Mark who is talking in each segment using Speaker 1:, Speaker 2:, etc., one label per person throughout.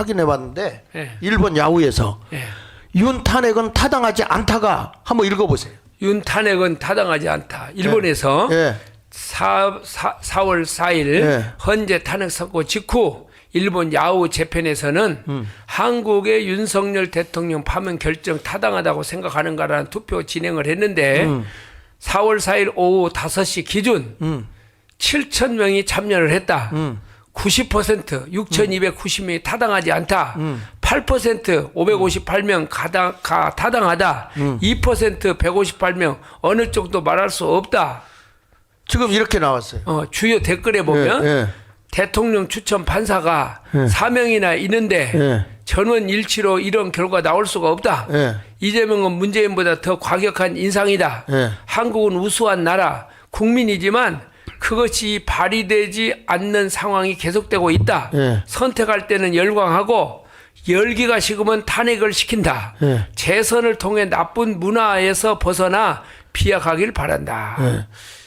Speaker 1: 확인해 봤는데
Speaker 2: 예.
Speaker 1: 일본 야후에서
Speaker 2: 예.
Speaker 1: 윤 탄핵은 타당하지 않다가 한번 읽어보세요.
Speaker 2: 윤 탄핵은 타당하지 않다. 일본에서
Speaker 1: 예.
Speaker 2: 4월 4일
Speaker 1: 예.
Speaker 2: 헌재 탄핵 선고 직후 일본 야후 재편에서는 한국의 윤석열 대통령 파면 결정 타당하다고 생각하는가라는 투표 진행을 했는데 4월 4일 오후 5시 기준 7천 명이 참여를 했다. 90% 6,290명이 타당하지 않다. 8% 558명 타당하다. 2% 158명 어느 쪽도 말할 수 없다.
Speaker 1: 지금 이렇게 나왔어요.
Speaker 2: 주요 댓글에 보면
Speaker 1: 예, 예.
Speaker 2: 대통령 추천 판사가 4명이나 있는데
Speaker 1: 예.
Speaker 2: 전원 일치로 이런 결과 나올 수가 없다.
Speaker 1: 예.
Speaker 2: 이재명은 문재인보다 더 과격한 인상이다.
Speaker 1: 예.
Speaker 2: 한국은 우수한 나라, 국민이지만 그것이 발휘되지 않는 상황이 계속되고 있다.
Speaker 1: 예.
Speaker 2: 선택할 때는 열광하고 열기가 식으면 탄핵을 시킨다.
Speaker 1: 예.
Speaker 2: 재선을 통해 나쁜 문화에서 벗어나 비약하길 바란다.
Speaker 1: 예.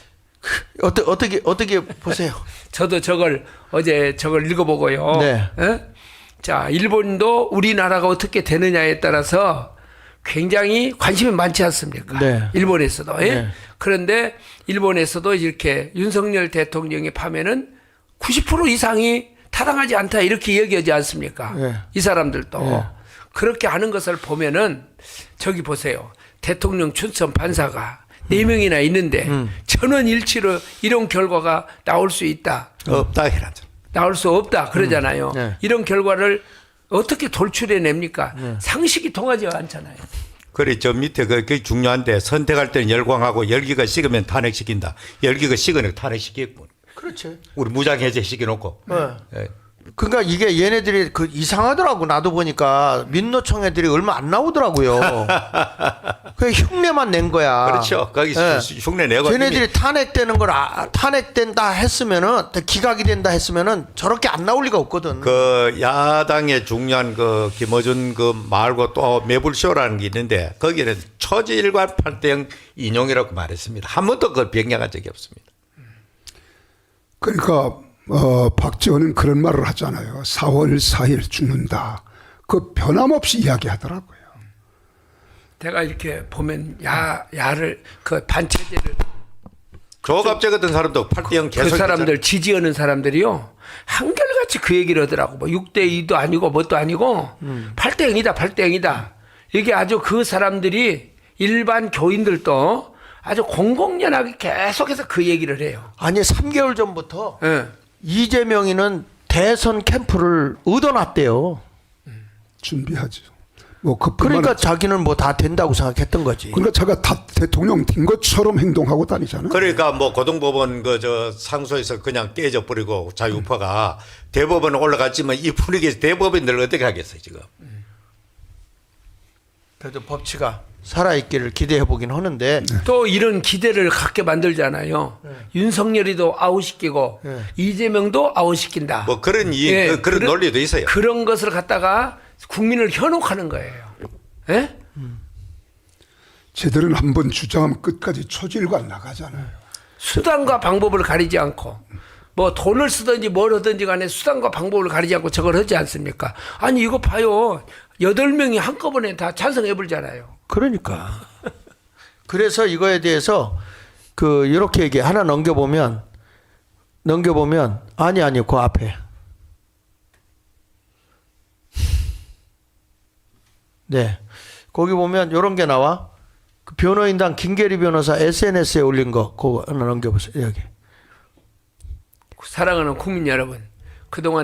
Speaker 1: 어떻게 보세요?
Speaker 2: 저도 어제 저걸 읽어보고요.
Speaker 1: 네.
Speaker 2: 예? 자, 일본도 우리나라가 어떻게 되느냐에 따라서 굉장히 관심이 많지 않습니까?
Speaker 1: 네.
Speaker 2: 일본에서도. 예?
Speaker 1: 네.
Speaker 2: 그런데 일본에서도 이렇게 윤석열 대통령의 파면은 90% 이상이 타당하지 않다 이렇게 얘기하지 않습니까?
Speaker 1: 네.
Speaker 2: 이 사람들도.
Speaker 1: 네.
Speaker 2: 그렇게 하는 것을 보면은 저기 보세요. 대통령 추천 판사가 4명이나 있는데 전원 일치로 이런 결과가 나올 수 있다.
Speaker 3: 없다 해라죠.
Speaker 2: 나올 수 없다 그러잖아요.
Speaker 1: 네.
Speaker 2: 이런 결과를 어떻게 돌출해냅니까? 상식이 통하지 않잖아요.
Speaker 3: 그래 저 밑에 그게 중요한데 선택할 때는 열광하고 열기가 식으면 탄핵시킨다. 열기가 식으면 탄핵시키고.
Speaker 1: 그렇지.
Speaker 3: 우리 무장해제 시켜놓고.
Speaker 1: 네.
Speaker 3: 예.
Speaker 1: 그러니까 이게 얘네들이 그 이상하더라고. 나도 보니까 민노총 애들이 얼마 안 나오더라고요. 그 흉내만 낸 거야.
Speaker 3: 그렇죠. 거기
Speaker 1: 예.
Speaker 3: 흉내 내고.
Speaker 1: 쟤네들이 탄핵되는 걸 탄핵된다 했으면은 기각이 된다 했으면은 저렇게 안 나올 리가 없거든.
Speaker 3: 그 야당의 중요한 그 김어준 그 말고 또 매불쇼라는 게 있는데 거기는 초지일관 8대0 인용이라고 말했습니다. 한 번도 그걸 변경한 적이 없습니다.
Speaker 4: 그러니까 박지원은 그런 말을 하잖아요. 4월 4일 죽는다. 그 변함없이 이야기하더라고요.
Speaker 2: 내가 이렇게 보면 야를 그 반체제를
Speaker 3: 조갑재 같은 사람도 8대0 계속
Speaker 2: 그 사람들 지지하는 사람들이요 한결같이 그 얘기를 하더라고. 뭐 6대2도 아니고 뭣도 아니고 8대0이다 8대0이다. 이게 아주 그 사람들이 일반 교인들도 아주 공공연하게 계속해서 그 얘기를 해요.
Speaker 1: 아니 3개월 전부터
Speaker 2: 예.
Speaker 1: 이재명이는 대선 캠프를 얻어놨대요.
Speaker 4: 준비하죠. 뭐
Speaker 1: 그러니까 자기는 뭐 다 된다고 생각했던 거지.
Speaker 4: 그러니까 제가 다 대통령 된 것처럼 행동하고 다니잖아요.
Speaker 3: 그러니까 뭐 고등법원 그 저 상소에서 그냥 깨져 버리고 자유파가 대법원 올라갔지만 이 분위기에서 대법원들 어떻게 하겠어요 지금?
Speaker 1: 그래도 법치가 살아있기를 기대해 보긴 하는데
Speaker 2: 또 이런 기대를 갖게 만들잖아요. 윤석열이도 아웃시키고 이재명도 아웃시킨다.
Speaker 3: 뭐 그런
Speaker 2: 예,
Speaker 3: 그런 논리도 있어요.
Speaker 2: 그런 것을 갖다가 국민을 현혹하는 거예요. 예?
Speaker 4: 쟤들은 한번 주장하면 끝까지 초질관 나가잖아요.
Speaker 2: 수단과 방법을 가리지 않고 뭐 돈을 쓰든지 뭘 하든지 간에 수단과 방법을 가리지 않고 저걸 하지 않습니까? 아니 이거 봐요. 8명이 한꺼번에 다 찬성해 버리잖아요.
Speaker 1: 그러니까 그래서 이거에 대해서 그 이렇게 얘기 하나 넘겨보면 아니 그 앞에 네 거기 보면 이런 게 나와. 그 변호인단 김계리 변호사 SNS에 올린 거 그거 하나 넘겨보세요. 여기.
Speaker 2: 사랑하는 국민 여러분, 그동안